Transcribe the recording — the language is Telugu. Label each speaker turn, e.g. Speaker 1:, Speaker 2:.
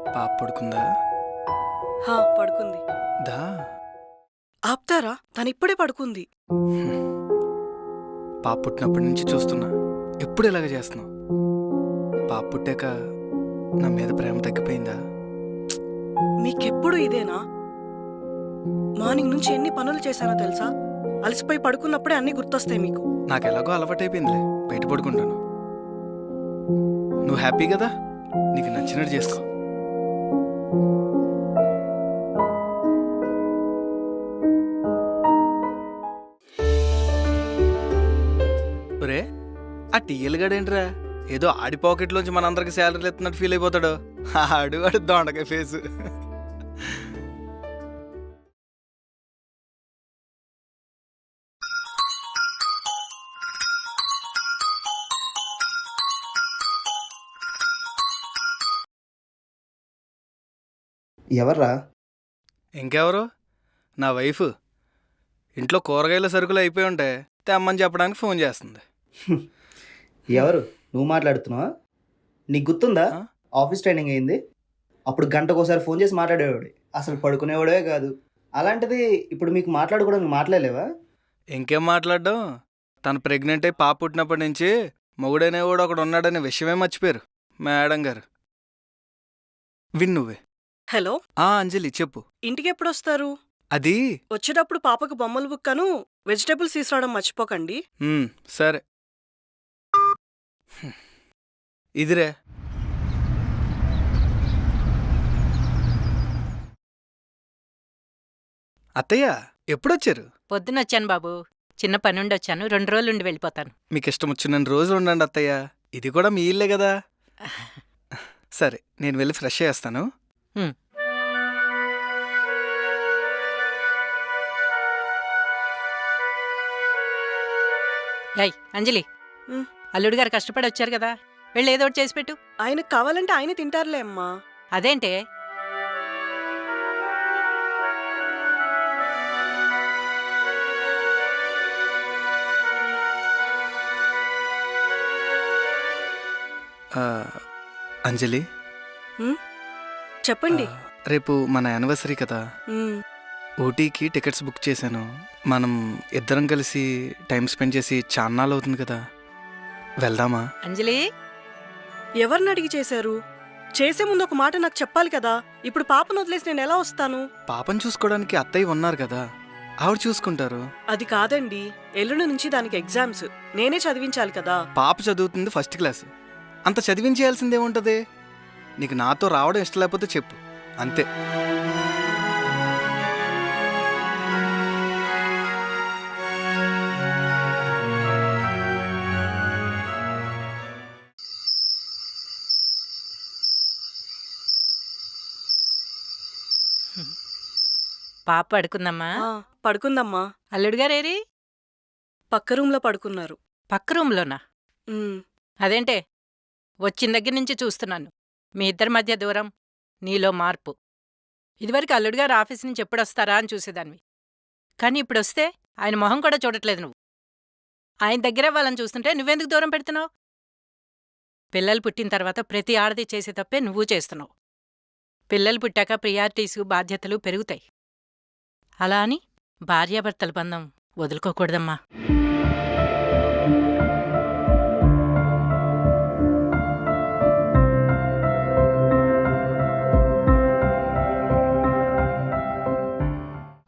Speaker 1: పాప పడుకుందా?
Speaker 2: పడుకుంది.
Speaker 1: దా
Speaker 2: ఆప్తారా? తనిప్పుడే పడుకుంది.
Speaker 1: పాప పుట్టినప్పటి నుంచి చూస్తున్నా, ఎప్పుడు ఇలాగ చేస్తున్నావు? పాప పుట్టాక నా మీద ప్రేమ తగ్గిపోయిందా?
Speaker 2: మీకెప్పుడు ఇదేనా? మార్నింగ్ నుంచి ఎన్ని పనులు చేశానో తెలుసా? అలసిపోయి పడుకున్నప్పుడే అన్నీ గుర్తొస్తాయి మీకు.
Speaker 1: నాకు ఎలాగో అలవాటైపోయిందిలే, బయట పడుకుంటాను. నువ్వు హ్యాపీ కదా? నీకు నచ్చినట్టు చేసుకో. ఒరే, ఆ టీఎల్ గడేంట్రా ఏదో ఆడి పాకెట్లోంచి మనందరికి శాలరీలు ఎత్తున్నట్టు ఫీల్ అయిపోతాడు. ఆడు దొండకాయ ఫేసు.
Speaker 3: ఎవర్రా?
Speaker 1: ఇంకెవరు? నా వైఫ్. ఇంట్లో కూరగాయల సరుకులు అయిపోయి ఉంటే తెమ్మని చెప్పడానికి ఫోన్ చేస్తుంది.
Speaker 3: ఎవరు? నువ్వు మాట్లాడుతున్నావా? నీకు గుర్తుందా?
Speaker 1: ఆ?
Speaker 3: ఆఫీస్ ట్రైనింగ్ అయింది, అప్పుడు గంటకోసారి ఫోన్ చేసి మాట్లాడేవాడు, అసలు పడుకునేవాడే కాదు. అలాంటిది ఇప్పుడు మీకు మాట్లాడుకోవడానికి మాట్లాడలేవా?
Speaker 1: ఇంకేం మాట్లాడడం, తను ప్రెగ్నెంట్ అయి పాప పుట్టినప్పటి నుంచి మొగుడనేవాడు ఒకడు ఉన్నాడనే విషయమే మర్చిపోయారు మేడం గారు. విన్ నువ్వే.
Speaker 2: హలో,
Speaker 1: అంజలి చెప్పు.
Speaker 2: ఇంటికి ఎప్పుడు వస్తారు?
Speaker 1: అది
Speaker 2: వచ్చేటప్పుడు పాపకు బొమ్మలు బుక్కను వెజిటేబుల్స్ తీసుకురావడం మర్చిపోకండి.
Speaker 1: సరే. ఇదిరే. అత్తయ్య ఎప్పుడొచ్చారు?
Speaker 4: పొద్దునొచ్చాను బాబు. చిన్న పనుండి వచ్చాను. 2 రోజులుండి వెళ్ళిపోతాను.
Speaker 1: మీకు ఇష్టం వచ్చిన రోజులు ఉండండి అత్తయ్య, ఇది కూడా మీ ఇల్లే కదా. సరే, నేను వెళ్ళి ఫ్రెష్ చేస్తాను.
Speaker 4: హ్మ్. ఏయ్ అంజలి,
Speaker 2: ఉమ్.
Speaker 4: అల్లుడు గారు కష్టపడి వచ్చారు కదా, వెళ్ళి ఏదో ఒకటి చేసి పెట్టు.
Speaker 2: ఆయనకు కావాలంటే ఆయన తింటారులే అమ్మా.
Speaker 4: అదేంటే?
Speaker 1: అంజలి,
Speaker 2: చెప్పండి.
Speaker 1: రేపు మన యానివర్సరీ కదా,
Speaker 2: ఉమ్,
Speaker 1: ఊటీకి టికెట్స్ బుక్ చేశాను. మనం ఇద్దరం కలిసి టైం స్పెండ్ చేసి చాన్నాళ్ళు అవుతుంది కదా, వెళ్దామా?
Speaker 4: అంజలి,
Speaker 2: ఎవరిని అడిగి చేశారు? చేసే ముందు ఒక మాట నాకు చెప్పాలి కదా. ఇప్పుడు పాపను వదిలేసి నేను ఎలా వస్తాను?
Speaker 1: పాపను చూసుకోవడానికి అత్తయ్య ఉన్నారు కదా, ఆవిడ చూసుకుంటారు.
Speaker 2: అది కాదండి, ఎల్లుండి నుంచి దానికి ఎగ్జామ్స్, నేనే చదివించాలి కదా.
Speaker 1: పాప చదువుతుంది ఫస్ట్ క్లాస్, అంత చదివించేయాల్సిందేముంటది? నీకు నాతో రావడం ఇష్టం లేకపోతే చెప్పు, అంతే.
Speaker 4: పాప పడుకుందమ్మా.
Speaker 2: పడుకుందమ్మా.
Speaker 4: అల్లుడు గారేరి?
Speaker 2: పక్క రూమ్లో పడుకున్నారు.
Speaker 4: పక్క రూమ్లోనా?
Speaker 2: ఉమ్,
Speaker 4: అదేంటే? వచ్చిన దగ్గర నుంచి చూస్తున్నాను, మీ ఇద్దరి మధ్య దూరం, నీలో మార్పు. ఇదివరకు అల్లుడు గారు ఆఫీస్ నుంచి ఎప్పుడొస్తారా అని చూసేదానివి, కానీ ఇప్పుడొస్తే ఆయన మొహం కూడా చూడట్లేదు నువ్వు. ఆయన దగ్గరే వాళ్ళని చూస్తుంటే నువ్వెందుకు దూరం పెడుతున్నావు? పిల్లలు పుట్టిన తర్వాత ప్రతి ఆడది చేసే తప్పే నువ్వు చేస్తున్నావు. పిల్లలు పుట్టాక ప్రియారిటీసు, బాధ్యతలు పెరుగుతాయి. అలా అని భార్యాభర్తల బంధం వదులుకోకూడదమ్మా.